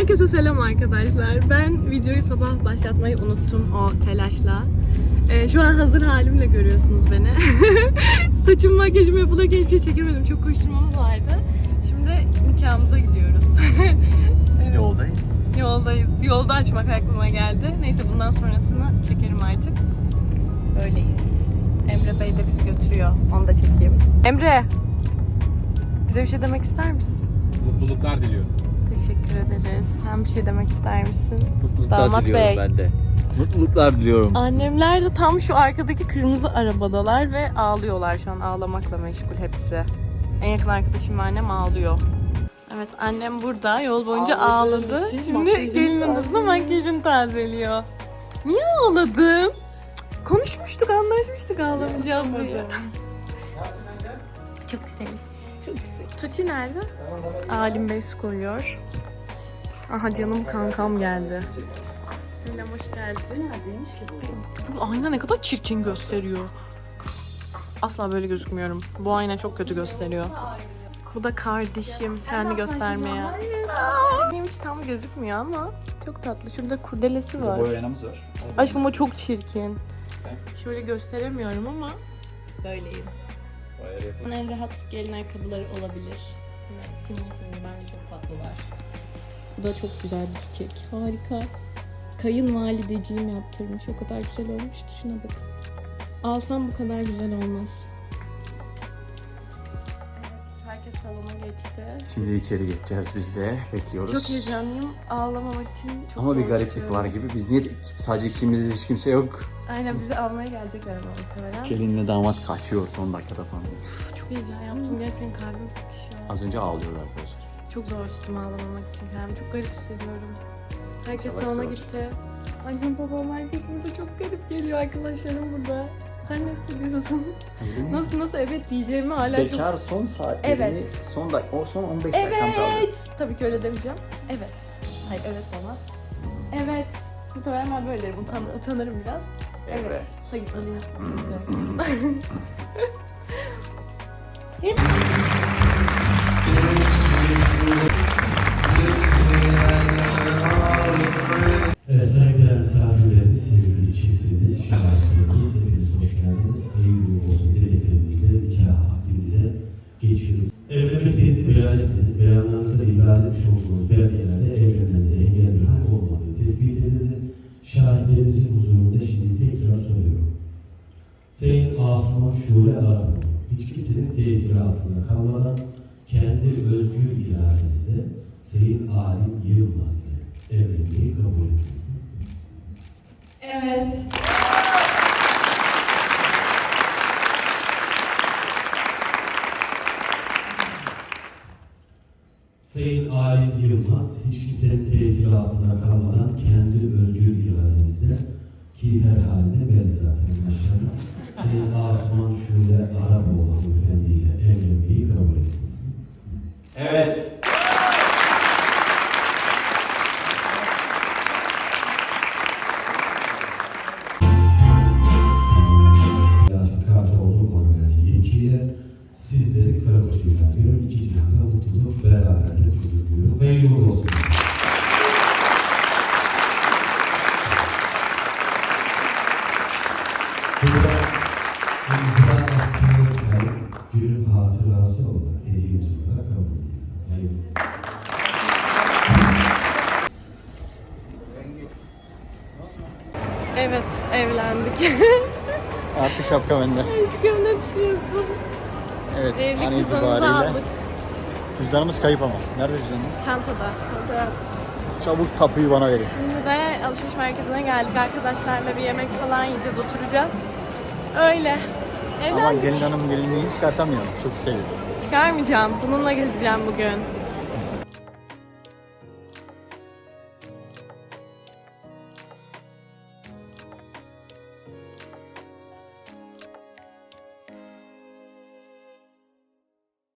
Herkese selam arkadaşlar. Ben videoyu sabah başlatmayı unuttum o telaşla. Şu an hazır halimle görüyorsunuz beni. Saçım makyajım yapılırken hiçbir şey çekemedim. Çok koşturmamız vardı. Şimdi nikahımıza gidiyoruz. Evet. Yoldayız. Yolda açmak aklıma geldi. Neyse bundan sonrasını çekerim artık. Böyleyiz. Emre Bey de bizi götürüyor. Onu da çekeyim. Emre! Bize bir şey demek ister misin? Mutluluklar diliyorum. Teşekkür ederiz. Sen bir şey demek ister misin? Mutluluklar Damat diliyorum Bey. ben de. Mutluluklar diliyorum. Annemler de tam şu arkadaki kırmızı arabadalar ve ağlıyorlar şu an. Ağlamakla meşgul hepsi. En yakın arkadaşım ve annem ağlıyor. Evet, annem burada yol boyunca ağladı. Şimdi gelin odasında makyajını tazeliyor. Niye ağladın? Cık, konuşmuştuk, anlaşmıştık ağlamayacağız diye. Çok güzeliz. Çok güzel. Tuti nerede? Alim Bey su koyuyor. Aha canım kankam geldi. Selam, hoş geldin. Neredeymiş ki bu? Bu ayna ne kadar çirkin gösteriyor. Asla böyle gözükmüyorum. Bu ayna çok kötü gösteriyor. Bu da kardeşim. Kendi göstermeye. Benim hiç tam gözükmüyor ama çok tatlı. Şurada kurdelesi var. Boya aynamız var. Aşkım o çok çirkin. Şöyle gösteremiyorum ama böyleyim. En rahat gelin ayakkabıları olabilir. Simli bence çok tatlılar. Bu da çok güzel bir çiçek. Harika. Kayınvalideciğim yaptırmış. O kadar güzel olmuş ki şuna bak. Alsam bu kadar güzel olmaz. Evet, herkes salona geçti. Şimdi içeri geçeceğiz biz de. Bekliyoruz. Çok heyecanlıyım. Ağlamamak için çok Ama bir gariplik korkuyorum. var gibi. Biz niye sadece ikimiziz, hiç kimse yok. Aynen, bizi almaya gelecekler ama muhtemelen. Gelinle damat kaçıyor son dakikada falan. Çok heyecan yaptım. Gerçekten kalbim sıkışıyor. Az önce ağlıyorlar arkadaşlar. Çok zor tuttum ağlamamak için kendimi. Çok garip hissediyorum. Herkes Yavaş salona yavaş. gitti. Annem babam herkes burada, çok garip geliyor, arkadaşlarım burada. Sen ne hissediyorsun? Nasıl evet diyeceğimi hala çok... Bekar son saatlerini, Evet. son 15 dakikam kaldı. Evet! Tabii ki öyle demeyeceğim. Evet. Hayır, evet olmaz. Evet. Muhtemelen ben böyle derim. Utanırım biraz. Evet. Hadi alayım. Evet, saygıdeğer misafirlerimiz, sevgili çiftimiz, şahitlerimiz, hepiniz hoş geldiniz. Hayırlı olsun dileklerimizle nikah akdinize geçiyoruz. Evlenmek istediğinizi beyan ettiniz. Beyanlarınızda ibraz etmiş olduğunuz belgelerde evlenmenize engel bir hak olmadığı tespit edildi. Şahitlerimizin huzurunda şimdi tekrar soruyorum. Sayın Asuman Şule Arap, hiç kimsenin tesiri altında kalmadan kendi özgür iradenizle Sayın Alim Yılmaz ile evlenmeyi kabul ettiniz. Evet. Sayın Alim Yılmaz, hiç kimsenin tesiri altında kalmadan kendi özgür iradenizle ki her haline belli zaten maşallah Sayın Asuman Şule Araboğlu hanımefendi ile evlenmeyi kabul ettiniz. Evet. Yasin Kartoğlu Konventi yetkiyle sizleri Karakoç ilan ediyorum. İki cihanda mutluluk, beraberlik huzur diliyorum. Hayırlı uğurlu olsun. Burada imza attığınız kayıt günün hatırası olarak hediyemiz olarak kabul ediyorum. Hayırlı olsun. Evet, evlendik. Artık şapka bende. Aşkım, ne düşünüyorsun? Evet. Evlilik an cüzdanımızı itibariyle. aldık. Cüzdanımız kayıp ama. Nerede cüzdanımız? Çantada. Çabuk tapuyu bana verin. Şimdi de alışveriş merkezine geldik. Arkadaşlarla bir yemek falan yiyeceğiz, oturacağız. Öyle. Ama Evlendik. gelin hanım gelinliğini çıkartamıyor. Çok seviyor. Çıkarmayacağım. Bununla gezeceğim bugün.